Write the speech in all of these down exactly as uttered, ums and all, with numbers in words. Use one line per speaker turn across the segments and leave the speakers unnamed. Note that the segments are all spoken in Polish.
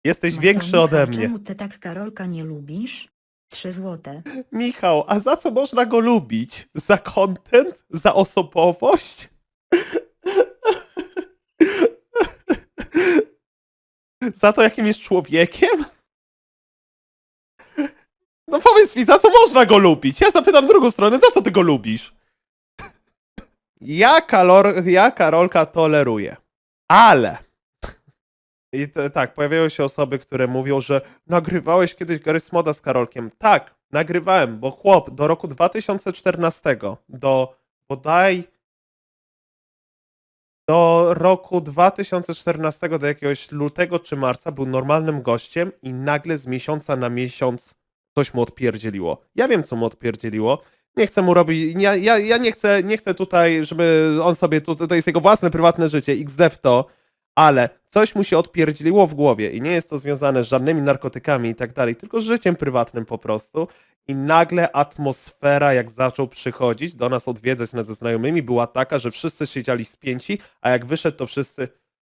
Jesteś większy ode mnie.
Czemu ty tak Karolka nie lubisz? Trzy złote.
Michał, a za co można go lubić? Za content? Za osobowość? Za to, jakim jest człowiekiem? No powiedz mi, za co można go lubić? Ja zapytam drugą stronę, za co ty go lubisz? Ja, kalor, ja Karolka toleruję. Ale... I to, tak, pojawiają się osoby, które mówią, że nagrywałeś kiedyś Garry's Moda z Karolkiem. Tak, nagrywałem, bo chłop do roku dwa tysiące czternastego, do bodaj do roku dwa tysiące czternastego, do jakiegoś lutego czy marca był normalnym gościem i nagle z miesiąca na miesiąc coś mu odpierdzieliło. Ja wiem, co mu odpierdzieliło. Nie chcę mu robić, ja, ja, ja nie, chcę, nie chcę tutaj, żeby on sobie, tu, to jest jego własne, prywatne życie, iks de w to, ale coś mu się odpierdzieliło w głowie i nie jest to związane z żadnymi narkotykami i tak dalej, tylko z życiem prywatnym po prostu. I nagle atmosfera, jak zaczął przychodzić do nas odwiedzać nas ze znajomymi, była taka, że wszyscy siedzieli spięci, a jak wyszedł, to wszyscy...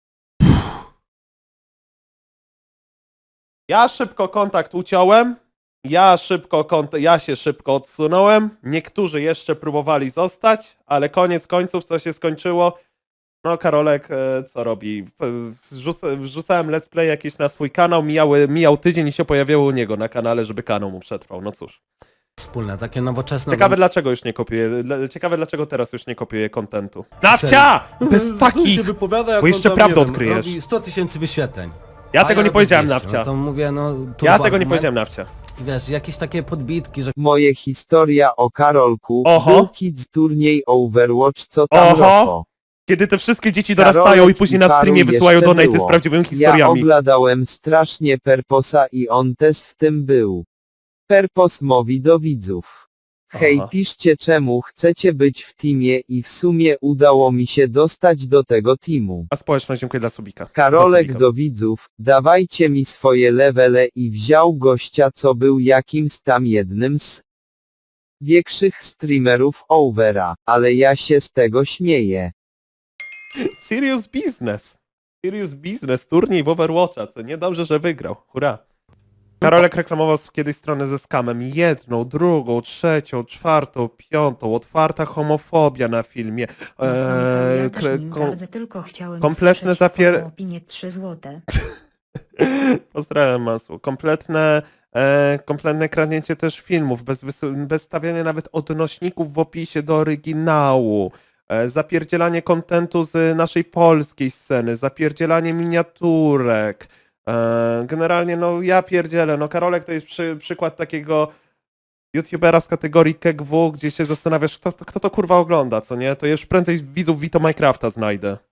Ja szybko kontakt uciąłem, ja szybko kont- ja się szybko odsunąłem, niektórzy jeszcze próbowali zostać, ale koniec końców, co się skończyło? No, Karolek, e, co robi? Wrzuca, wrzucałem let's play jakieś na swój kanał, mijały, mijał tydzień i się pojawiało u niego na kanale, żeby kanał mu przetrwał. No cóż.
Wspólne, takie nowoczesne...
Ciekawe dlaczego już nie kopiuje, dla- ciekawe dlaczego teraz już nie kopiuje kontentu. Nawcia! Bez
Tu się
takich!
wypowiada, jak
bo
on
jeszcze
tam,
prawdę
nie wiem,
odkryjesz.
robi sto tysięcy wyświetleń.
Ja
A
tego nie
robię
powiedziałem,
dwieście.
Nawcia.
No to mówię, no...
Ja
turbo
tego nie
argument.
powiedziałem, Nawcia.
Wiesz, jakieś takie podbitki, że
Moje historia o Karolku,
Oho.
był kids turniej Overwatch, co tam
Oho.
roko.
Kiedy te wszystkie dzieci
Karolek
dorastają i później
i
na
paru
streamie wysyłają
jeszcze
donaty z
było.
prawdziwymi
Ja
historiami.
oglądałem strasznie Perposa i on też w tym był. Perpos mówi do widzów. Hej,
Aha.
piszcie czemu chcecie być w teamie i w sumie udało mi się dostać do tego teamu.
A społeczność, dziękuję dla subika.
Karolek
Za subika.
do widzów, dawajcie mi swoje levele i wziął gościa, co był jakimś tam jednym z większych streamerów Overa, ale ja się z tego śmieję.
Serious business. Serious business, turniej w Overwatcha, co nie dobrze, że wygrał. Hurra. Karolek reklamował kiedyś stronę ze skamem. Jedną, drugą, trzecią, czwartą, piątą. Otwarta homofobia na filmie.
Eee, ja
Eee,
też nim
kom-
gardzę, tylko chciałem
kompletne
usłyszeć
zapier-
swoją opinię trzy złote.
Pozdrawiam, Masło. Kompletne, e, kompletne kradnięcie też filmów, bez, wys- bez stawiania nawet odnośników w opisie do oryginału. E, zapierdzielanie kontentu z naszej polskiej sceny, zapierdzielanie miniaturek. E, generalnie, no ja pierdzielę. No Karolek to jest przy, przykład takiego youtubera z kategorii K G W, gdzie się zastanawiasz, kto, kto to kurwa ogląda, co nie? To już prędzej widzów Vito Minecrafta znajdę.